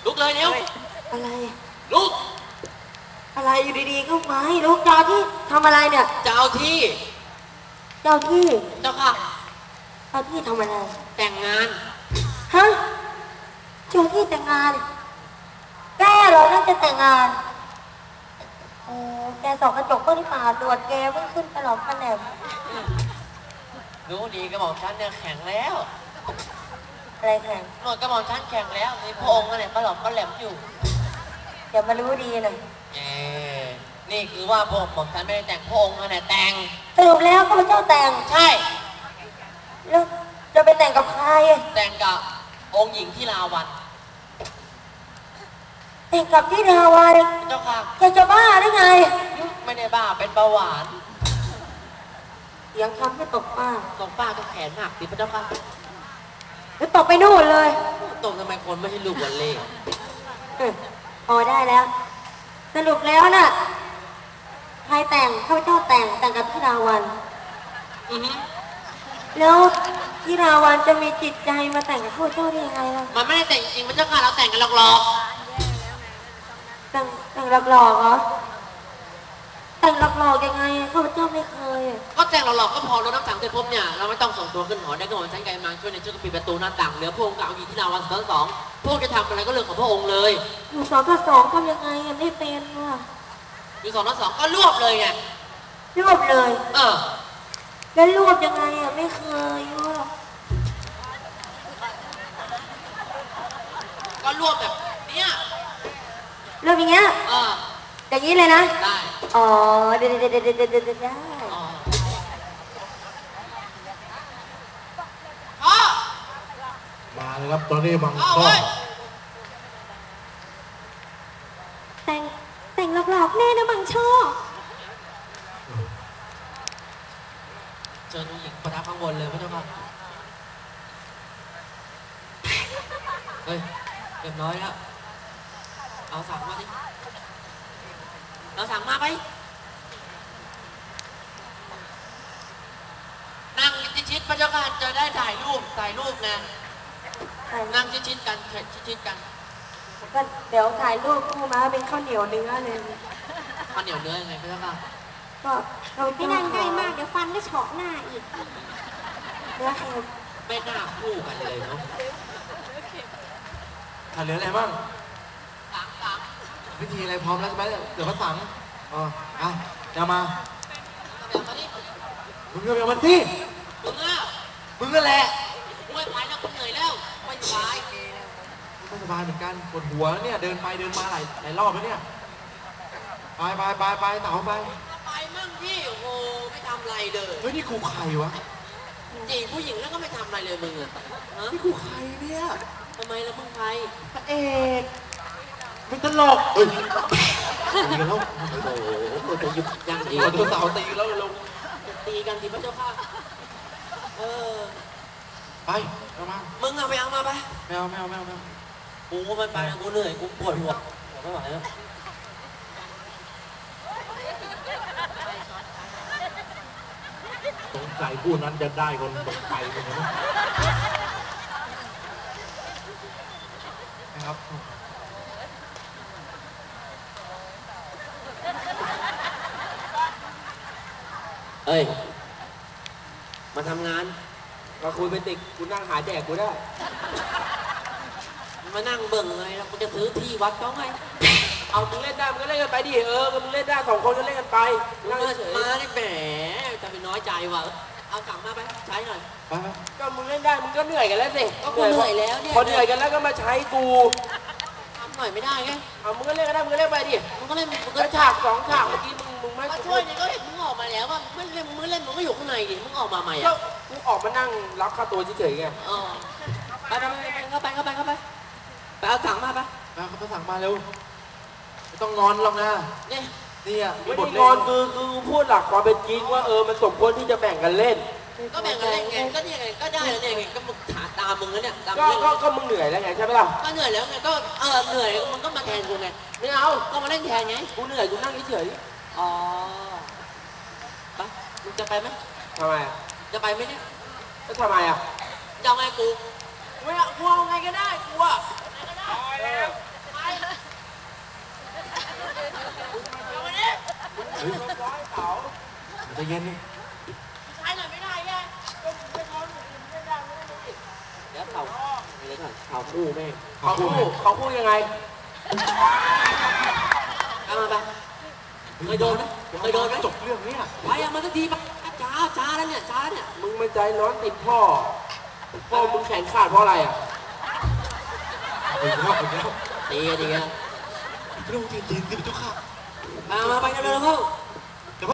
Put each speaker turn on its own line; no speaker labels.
ลุกเลยเร็ว
อะไร
ลุก
อะไรอยู่ดีๆก็มาให้ลูกเจ้าที่ทำอะไรเนี่ย
เจ้าที่
เจ้าที่
เจ้าค่ะ
เจ้าที่ทำอะไร
แต่งงาน
ฮะเจ้าที่แต่งงานแกเหรอน่าจะแต่งงานโอ้แกส่องกระจกก็ที่ป่าตรวจแกเพิ่งขึ้นไปหลอกกันแหนม
รู้ดีกระบอกฉันเนี่ยแข็งแล้ว
อะไรแข็ง
หนวดกระบอกฉันแข็งแล้วในพระองค์เนี่ยก็หลอกก็แหลมอยู่
เดี๋ยวมารู้ดีเลย
นี่คือว่าพระองค์บอกฉันไม่ได้แต่งพระองค์เนี่ยแต่ง
สรุปแล้วก็เป็นเจ้าแต่ง
ใช่
แล้วจะไปแต่งกับใคร
แต่งกับองค์หญิงที่ลาวัน
แต่งกับที่ลาวัน
เจ้าค่ะ
จะบ้าได้ไง
ไม่ได้บ้าเป็นเบาหวาน
ยังทำให้ตกป้า
ก็แขนหักดิพระเจ้าค่ะ
แล้วตกไปนู่นเลย
ตกทำไมคนไม่ใช่ลูกวันเล่
พอได้แล้วสรุปแล้วน่ะใครแต่งข้าพเจ้าแต่งกับที่ราวันแล้วที่ราวันจะมีจิตใจมาแต่งกับข้าพเจ้าได้ยังไงล่ะ
มันไม่ได้แต่งจริงพระเจ้าค่ะเราแต่งกันหลอก
แต่งหลอกเหรอแต่งหลอกยังไงข้าพเจ้าไม่เคย
ก็แต่งหลอกก็พอรถน้ำสังเสร็จปุ๊บเนี่ยเราไม่ต้องส่งตัวขึ้นหอได้ก็หมดชั้นไกลมังช่วยในช่วยปิดประตูหน้าต่างเหลือพระองค์กับเอาหญิงที่ลาวันสองพวกจะทำอะไรก็เรื่องของพระองค์เลย
อยู่2 ต่อ 2ทำยังไงไม่เป็นว่ะ
อยู่2 ต่อ 2ก็รวบเลยไง
รวบเลยแล้วรวบยังไงไม่เคยว่ะ
ก็รวบแบบเนี้ย
รวบอย่างเงี้ยอย่างนี้เลยนะ
ได้
อ๋อได้
มาเลยครับตอนนี้บังข้อ
แต่งหลอกๆแน่นะบังช่อ
เจอผู้หญิงประทับข้างบนเลยพระเจ้าค่ะเฮ้ยเรียบร้อยแล้วเอาสั่งมาดิเราสั่งมาไปนั่งชิดๆพระเจ้าค่ะจะได้ถ่ายรูปนะนั่งชิดๆกันชิดๆกัน
ก็เดี๋ยวถ่ายรูปคู่มาเป็นข้าวเหนียวเนื้อเลย
ข้าวเหนียวเนื้อยังไงพระเจ้าค่ะ
ก็เราไม่นั่งง่ายมากเดี๋ยวฟันก็เฉาะหน้าอีกเนื้อเค็ม
ไม่น่าคู่กันเลยเนาะ
ถ่ายเหลืออะไรบ้าง
สั่ง
วิธีอะไรพร้อมแล้วใช่ไหมเดี๋ยวเขาสั่งเดี๋ยวมามึงก็เอามาสิมึงก็แหละ
ไม่ไหวแล้วกูเหนื่อยแล้วไม่สบาย
ไม่สบายเหมือนกันปวดหัวเนี่ยเดินไปเดินมาหลายรอบแล้วเนี่ยไปเต่าไป
มั่งพี่โอ้โหไม่ทำอะไรเลย
เฮ้ยนี่กูใครวะ
จีบผู้หญิงแล้วก็ไม่ทำอะไรเลยมึงอะ
นี่กูใครเนี่ย
ทำไมแล้วมึงใคร
พระเอกไม่ตลกเฮ้ยตีกันแล้ว
โอ้โหจะหยุดยังดี
ตัวสาวตีแล้วลง
ตีกันทีพระเจ้าค่ะ
ไปเอามา
มึงเอาไปเอามาไป
ไม่เอา
กูมันไปกูเหนื่อยกูปวดหัวไม่ไหวแล้ว
สงสัยคู่นั้นจะได้คนตกไปคนนี้นะครับ
เอ้ยมาทำงานมาคุยไปติกกูนั่งหาแดกกูได้มานั่งเบิ่งเลยแล้วกูจะซื้อที่วัดเขาไง
เอามึงเล่นได้มึงก็เล่นกันไปดิมึงเล่นได้2 คนก็เล่นกันไป
นั่งเฉยมาได้แหมจะไปน้อยใจว่ะเอาสั่งมาไปใช้หน่อย
ไปก็มึงเล่นได้มึงก็เหนื่อยกันแล้วสิ
ก็กูเหนื่อยแล้วเนี่ย
พอเหนื่อยกันแล้วก็มาใช้กู
ทำหน่อยไม่ได้ไง
เอามึงก็เล่นกันได้มึงก็เล่นไปดิ
มึงก็เล่นมึงก็
ฉาก2 ฉากเมื่อกี้มึงไม่
ช่วยเนี่ยก็เห็นมึงออกมาแล้วว่ามึงเล่นมึงก็อยู่ข้างในดิมึงออกมาใหม่อ่ะ
กูออกมานั่งรับค่าตัวเฉยๆไง
ไปเข้าไปไปเอาสั่งมาไป
เขาสั่งมาเร็วไม่ต้องงอนหรอกนะนี่อ่ะ
ไม่ได้งอนคือพูดหลักความเป็นจริงว่ามันสมควรที่จะแบ่งกันเล่น
ก็แบ่งกันเล่นไงก็เนี่ยไงก็ได้แล้วเนี่ยไงก็มึงถาตามมึงแล้วเนี่ย
ก็มึงเหนื่อยแล้วไงใช่ไหมล่ะ
ก็เหนื่อยแล้วไงก็เหนื่อยมึงก็มาแทนกูไง
ไม่เอา
ก็มาเล่นแทนไง
กูเหนื่อยกูนั่งเฉย
ไปมึงจะไปไหม
ทำไม
จะไปไหมเนี่ย
ก็ทำไม
จะเอาไงกู
ไม่เอากูเอาไงก็ได้กูอะร้อยเขา
ใจะเย็นดิ
ใช้หน่อยไม่ได้ไงก็ไม่ร้อนไม่ได้ไม่ได้
เดี๋ยวเขาเดี๋ยวก่อนเขาคู่แม่
เขาพูดยังไง
เอามาไปเคยโดนไหมเคยโดนไหม
จบเรื่องเนี้ย
ไปเอามาสักทีไปจ้าแล้วเนี่ยจ้าแล้วเนี่ย
มึงมันใจร้อนติดพ่อมึงแขนขาดเพราะอะไรอ่ะ
อีกแล้วอีกแล้ว
ดีกัน
เรื่องจริงๆที่พี่เจ้าค่ะ
มาไปเร็วๆ